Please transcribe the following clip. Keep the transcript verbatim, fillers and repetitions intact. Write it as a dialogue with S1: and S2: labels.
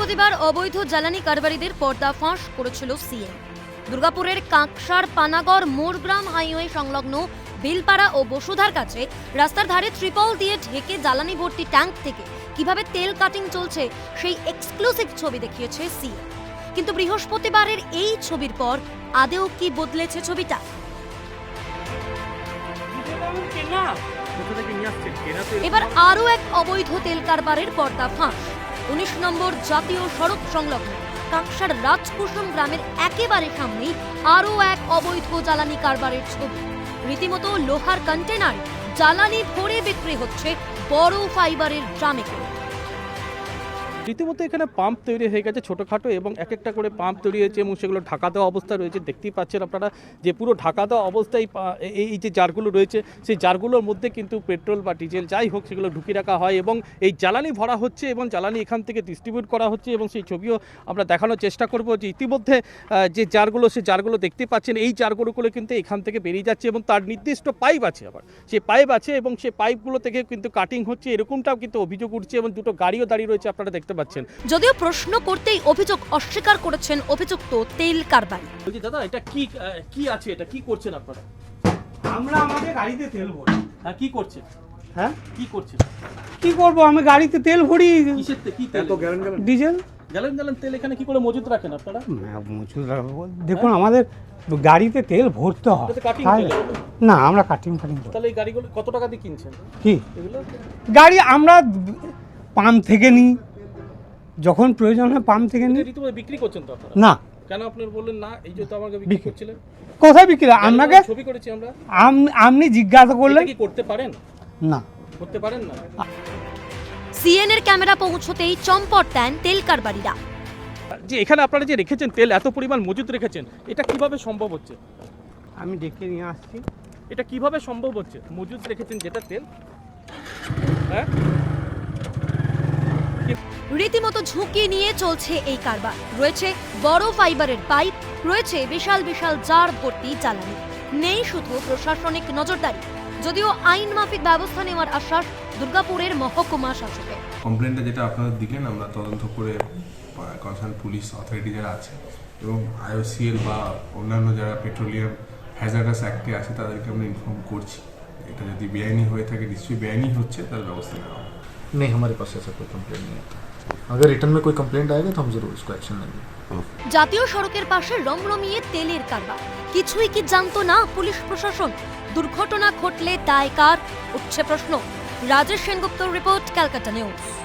S1: বৃহস্পতিবার অবৈধ জ্বালানি কারবারিদের পর্দাফাঁস করেছিল সিএম। দুর্গাপুরের কাঁকসার পানাগড় মোরগ্রাম হাইওয়ে সংলগ্ন বিলপাড়া ও বসুধার কাছে রাস্তার ধারে ত্রিপল দিয়ে ঢেকে জ্বালানি ভর্তি ট্যাঙ্ক থেকে কিভাবে তেল কাটিং চলছে সেই এক্সক্লুসিভ ছবি দেখিয়েছে সিএম। কিন্তু বৃহস্পতিবারের এই ছবির পর আদেও কি বদলেছে ছবিটা? এবার আরও এক অবৈধ তেল কারবারের পর্দাফাঁস। উনিশ নম্বর জাতীয় সড়ক সংলগ্ন কাঁকসার রাজকুসুম গ্রামের একেবারে সামনেই আরও এক অবৈধ জ্বালানি কারবারের ছবি। রীতিমতো লোহার কন্টেনার জ্বালানি ভরে বিক্রি হচ্ছে বড় ফাইবারের ড্রামে করে।
S2: রীতিমতো এখানে পাম্প তৈরি হয়ে গেছে ছোটোখাটো, এবং এক একটা করে পাম্প তৈরি হয়েছে এবং সেগুলো ঢাকা দেওয়া অবস্থা রয়েছে। দেখতেই পাচ্ছেন আপনারা যে পুরো ঢাকা দেওয়া অবস্থায় এই যে জারগুলো রয়েছে সেই জারগুলোর মধ্যে কিন্তু পেট্রোল বা ডিজেল যাই হোক সেগুলো ঢুকিয়ে রাখা হয় এবং এই জ্বালানি ভরা হচ্ছে এবং জ্বালানি এখান থেকে ডিস্ট্রিবিউট করা হচ্ছে। এবং সেই ছবিও আমরা দেখানোর চেষ্টা করব যে ইতিমধ্যে যে জারগুলো সেই জারগুলো দেখতে পাচ্ছেন এই জারগুলো কিন্তু এখান থেকে বেরিয়ে যাচ্ছে এবং তার নির্দিষ্ট পাইপ আছে, আবার সেই পাইপ আছে এবং সেই পাইপগুলো থেকে কিন্তু কাটিং হচ্ছে, এরকমটাও কিন্তু অভিযোগ উঠছে এবং দুটো গাড়িও দাঁড়িয়ে রয়েছে আপনারা দেখতে পাচ্ছেন।
S1: যদিও প্রশ্ন করতেই অভিযোগ অস্বীকার করেছেন অভিযুক্ত তেল কারবারি।
S2: বলছি দাদা, এটা কি কি আছে, এটা কি করছেন আপনারা?
S3: আমরা আমাদের গাড়িতে তেল ভরি।
S2: হ্যাঁ, কি করছেন?
S3: হ্যাঁ,
S2: কি করছেন?
S3: কি করব, আমি গাড়িতে তেল ভরি।
S2: কিসের তেল? কি তেল?
S3: ডিজেল।
S2: গ্যালন গ্যালন তেল এখানে কি করে মজুত রাখেন আপনারা?
S3: মজুদ রাখবো। দেখুন আমাদের গাড়িতে তেল ভরতে হয়।
S2: এটাতে কাটিং
S3: তাই-
S2: তেল এগুলো?
S3: না, আমরা কাটিং ফাটিং করি।
S2: তাহলে এই গাড়িগুলো কত টাকা দিয়ে কিনছেন
S3: কি
S2: এগুলো?
S3: গাড়ি আমরা পাম্প থেকে নিই, যখন প্রয়োজন হয় পাম্প থেকে নিই।
S2: রীতিমতো বিক্রি করছেন তো আপনারা?
S3: না।
S2: কেন আপনি বললেন না? এই যে তো আমাকে বিক্রি
S3: বিক্রি-
S2: করছিলেন।
S3: কোথায় বিক্রি? আপনাকে
S2: ছবি করেছি আমরা।
S3: আম- আপনি জিজ্ঞাসা করলেন।
S2: এটা কি করতে পারেন?
S3: না,
S2: করতে পারেন না।
S1: সিএন এর ক্যামেরা পৌঁছতেই চম্পট দেন তেল কারবারিরা।
S2: যে এখানে আপনারা যে রেখেছেন তেল, এত পরিমাণ মজুত রেখেছেন, এটা কিভাবে সম্ভব হচ্ছে?
S3: আমি ডেকে নিয়ে আসছি।
S2: এটা কিভাবে সম্ভব হচ্ছে? মজুত রেখেছেন যেটা তেল, হ্যাঁ,
S1: রীতিমতো ঝুঁকি নিয়ে চলছে এই কারবার। রয়েছে বড় ফাইবারের পাইপ, রয়েছে বিশাল বিশাল জার ভর্তি জ্বালানি। নেই শুধু প্রশাসনিক নজরদারি, যদিও আইন মাফিক ব্যবস্থা নেওয়ার আশ্বাস দুর্গাপুরের মহকুমা শাসকের।
S4: কমপ্লেনটা যেটা আপনারা দিলেন আমরা তদন্ত করে কনসার্ন পুলিশ অথরিটি যারা আছে এবং আইওসিএল বা অন্যান্য যারা পেট্রোলিয়াম হ্যাজার্ডাস অ্যাক্টে আছে তাদেরকে আমরা ইনফর্ম করছি। এটা যদি বেআইনি হয়ে থাকে, নিশ্চয়ই বেআইনি হচ্ছে, তার ব্যবস্থা নেওয়া হবে।
S5: नहीं, हमारे पास ऐसा कोई कंप्लेंट नहीं आता। अगर रिटर्न में कोई कंप्लेंट आएगा तो हम जरूर उसको एक्शन लेंगे।
S1: জাতীয় সড়কের পাশে রমরমিয়ে তেলের কারবার, কিছুই কি জানতো না পুলিশ প্রশাসন? দুর্ঘটনা ঘটলে দায় কার, উঠছে প্রশ্ন। রাজেশ সেনগুপ্তর রিপোর্ট, ক্যালকাটা নিউজ।